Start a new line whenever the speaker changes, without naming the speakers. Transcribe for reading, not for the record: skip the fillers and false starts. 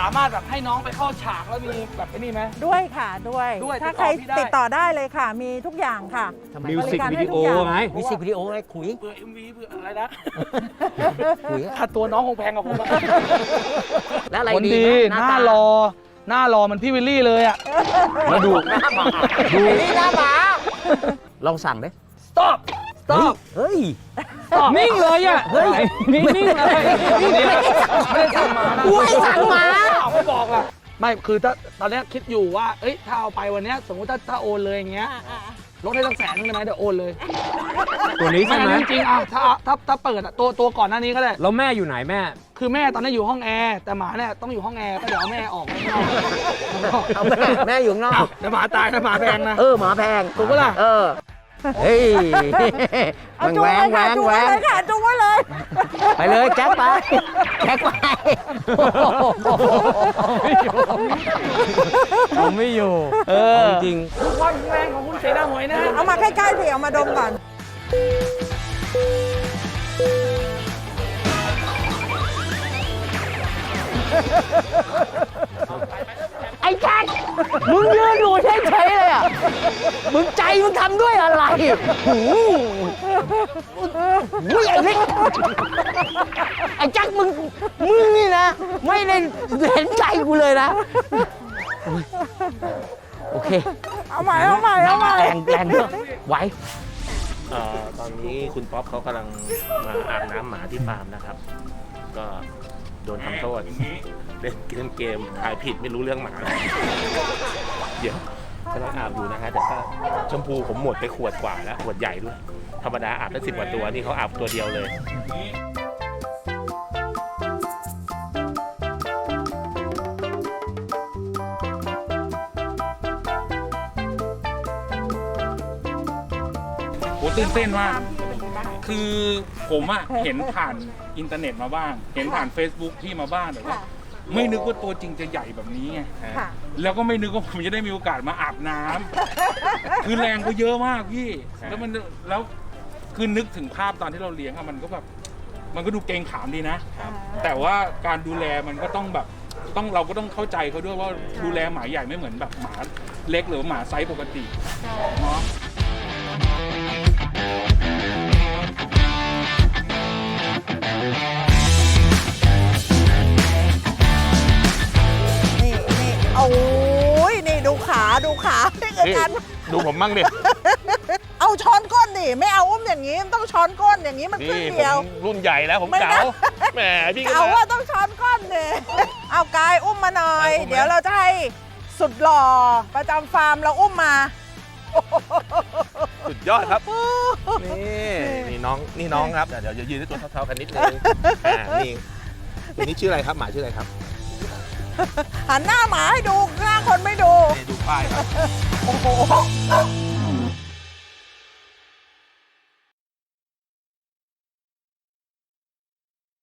ามารถแบบให้น้องไปเข้าฉากแล้วมีแบบไอ้นี่ไหม
ด้วยค่ะด้วย
ด้วย
ถ้าใคร
ติดต่อพี่ได้
ติดต่อได้เลยค่ะ มีทุกอย่างค่ะ
มิวสิกวิดีโอไง
มิวสิกวิดีโอไงขุย
เพื่อ MV เพื่ออะไรนะ
ขุย
ค่าตัวน้องคงแพงกว่าผมอะ
แล้วอะไร
คน
ดี
ดี
ไหม
หน้ารอหน้ารอมันพี่วิลลี่เลยอ่ะ
แล้วดู
หน้าหมา
ดู
นี่หน้าหมาลองสั่งดิ
stop stop
เฮ้ย
นิ่งเลยอ่ะ
เฮ้ย
นิ่งเลย
ไม่ได้สั่งมานะ
กูให้สั่งมา
ไม่บอกล่ะไม่คือถ้าตอนเนี้ยคิดอยู่ว่าเอ้ยถ้าเอาไปวันเนี้ยสมมติถ้าโอนเลยอย่างเงี้ยลดให้ตั้ง100,000ได้ไหมเดี๋ยวโอนเลย
ตัวนี้ใช่ไหม
อันนี้จริงๆอ่ะถ้าเปิดอ่ะตัวก่อนหน้านี้ก็ได้
แล้วแม่อยู่ไหนแม่
คือแม่ตอนนี้อยู่ห้องแอร์แต่หมาเนี่ยต้องอยู่ห้องแอร์ก็เดี๋ยวเอาแม่ออกข้างนอก
เอาแม่อยู่ข้างนอก
เดี๋ยวหมาตายนะหมาแพงนะ
หมาแพง
ถูกปะล่ะ
เฮ้ย
เอาจุงไว้ค่ะจุงไว้เลยค่ะจุงไว้เลย
ไปเลยแจ็คไปแจ็คไป
ผมไม่อยู่จริง
ดูความแรงของคุณเสนาหวยนะ
เอามาใกล้ๆสิเอามาดมก่อน
ไอ้แจ็คมึงยืนอยู่เฉยๆเลยอ่ะมึงใจมึงทำด้วยอะไรหูไอ้เล็กไอ้แจ็คมึงนี่นะไม่ได้เห็นใจกูเลยนะโอเค
เอาใหม่เอาใหม่เอาใหม่
แรงเนอะไหว
ตอนนี้คุณป๊อปเขากำลังมาอาบน้ำหมาที่ฟาร์มนะครับ ก็โดนทำโทษเล่นเกมถ่ายผิดไม่รู้เรื่องหมาเดี๋ยวกำลังอาบอยู่นะฮะแต่ก็ชมพูผมหมดไปขวดกว่าแล้วขวดใหญ่ด้วยธรรมดาอาบได้10 กว่าตัวนี่เขาอาบตัวเดียวเลย
โหตื่นเต้นมากคือผมอะเห็นผ่านอินเทอร์เน็ตมาบ้าง เห็นผ่าน Facebook พี่มาบ้างแต่ว่า ไม่นึกว่าตัวจริงจะใหญ่แบบนี้ไง
ค่ะ
แล้วก็ไม่นึกว่าผมจะได้มีโอกาสมาอาบน้ำคือแรงก็เยอะมากพี่ แล้วคือนึกถึงภาพตอนที่เราเลี้ยงอะมันก็แบบมันก็ดูเกรงขามดีนะ แต่ว่าการดูแลมันก็ต้องแบบเราก็ต้องเข้าใจเขาด้วยว่าดูแลหมาใหญ่ไม่เหมือนแบบหมาเล็กหรือหมาไซส์ปกติเนาะ
นี่โอ้ยนี่ดูขานี่คือการ
ดูผมมั่งดิ
เอาช้อนก้นดิไม่เอาอุ้มอย่างนี้มันต้องช้อนก้นอย่างนี้มันครึ่ง
นี่ผ
เดียว
มรุ่นใหญ่แล้วผม
ไม่
เก๋า
นะ
แหมพี่ก็
เอา
มา
ว่าต้องช้อนก้นเนี่ยเอากายอุ้มมาหน่อย
อุ้มไหม
เดี๋ยวเราจะให้สุดหล่อประจำฟาร์มเราอุ้มมา
สุดยอดครับ นี่น้องครับเดี๋ยวยืนด้วยตัวเท่าๆกันนิดนึงนี่ตัวนี้ชื่ออะไรครับหมาชื่ออะไรครับ
หันหน้าหมาให้ดูหน้าคนไม่ดู
นี่ดูป้ายครับ
โอ้โห